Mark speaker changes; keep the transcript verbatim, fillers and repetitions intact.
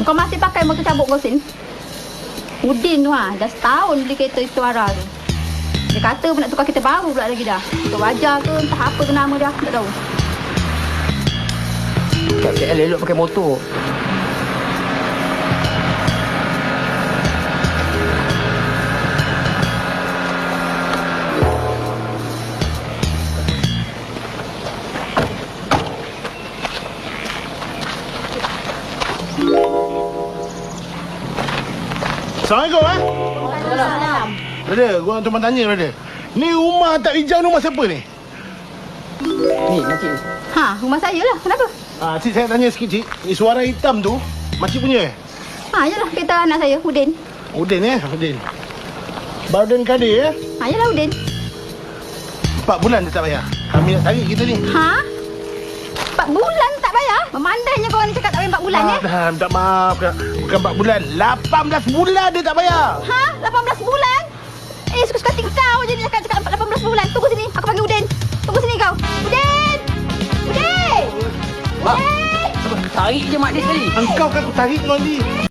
Speaker 1: Kau masih pakai motor cabut kau sin? Udin tu ha, dah setahun beli kereta itu Ara tu. Dia kata pun nak tukar kereta baru pula lagi dah. Untuk wajar ke, entah apa ke nama dia, tak tahu.
Speaker 2: Kat K L elok pakai motor.
Speaker 3: Assalamualaikum eh.
Speaker 1: Salam.
Speaker 3: Brother, gua nak tumpang tanya brother. Ni rumah tak hijau ni rumah siapa ni?
Speaker 2: Ni, makcik ni.
Speaker 1: Ha, rumah saya lah. Kenapa?
Speaker 3: Ah, cik saya tanya sikit cik. Ni suara hitam tu makcik punya eh?
Speaker 1: Ha, yalah kereta anak saya, Udin.
Speaker 3: Udin eh, Udin. Badan Kadir eh?
Speaker 1: Ha, yalah Udin.
Speaker 3: Empat bulan dia tak bayar. Kami nak tarik kita ni.
Speaker 1: Ha? Empat bulan tak bayar? Memandainya kau ni cakap tak bayar empat bulan eh?
Speaker 3: Dah, minta maaf kak. Bukan empat bulan, lapan belas bulan dia tak bayar.
Speaker 1: Ha? lapan belas bulan? Eh, suka-suka kau je ni cakap-cakap lapan belas bulan. Tunggu sini, aku panggil Udin. Tunggu sini kau. Udin! Udin!
Speaker 2: Wah.
Speaker 1: Udin!
Speaker 2: Tarik je mak dia sekali.
Speaker 3: Engkau kan aku tarik kau ni.